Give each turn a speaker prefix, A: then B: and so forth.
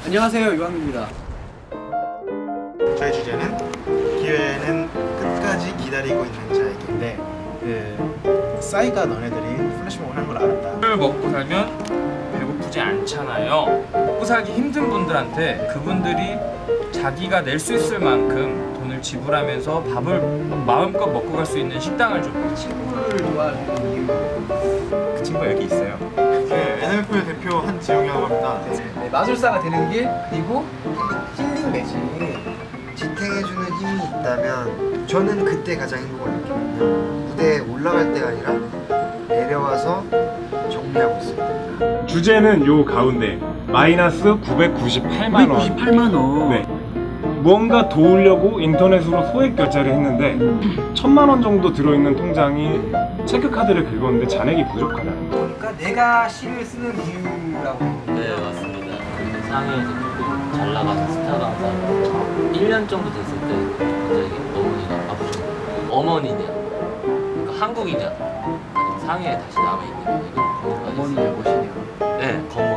A: 안녕하세요, 유한입니다.
B: 저의 주제는 기회는 끝까지 기다리고 있는 자에게인데 싸이가 너네들이 플래시몹을 하는 걸 알았다.
C: 술 먹고 살면 배고프지 않잖아요. 먹고 살기 힘든 분들한테 그분들이 자기가 낼 수 있을 만큼 돈을 지불하면서 밥을 마음껏 먹고 갈 수 있는 식당을 좀.
A: 친구를 좋아하는 이유.
C: 그 친구가 여기 있어요.
B: 네, NMF의 대표 한지용이라고 합니다.
A: 네, 마술사가 되는 길, 그리고 힐링 매직.
D: 지탱해주는 힘이 있다면 저는 그때 가장 행복을 느끼거든요. 무대에 올라갈 때가 아니라 내려와서 정리하고 있습니다.
E: 주제는 요 가운데 마이너스 998만 원.
A: 98만 원.
E: 네. 무언가 도우려고 인터넷으로 소액 결제를 했는데 1000만 원 정도 들어있는 통장이 체크카드를 긁었는데 잔액이 부족하다는 거.
A: 그러니까 내가 시를 쓰는 이유라고.
F: 네, 맞습니다. 상해에서 조금 잘 나가서 스타 강사로 1년 정도 됐을 때 갑자기 어머니가 아프셨고, 어머니냐, 그러니까 한국이냐, 아니면 상해에 다시 남아있느냐, 이걸 고민하셨어요.
A: 어머니를 모시냐.
F: 네,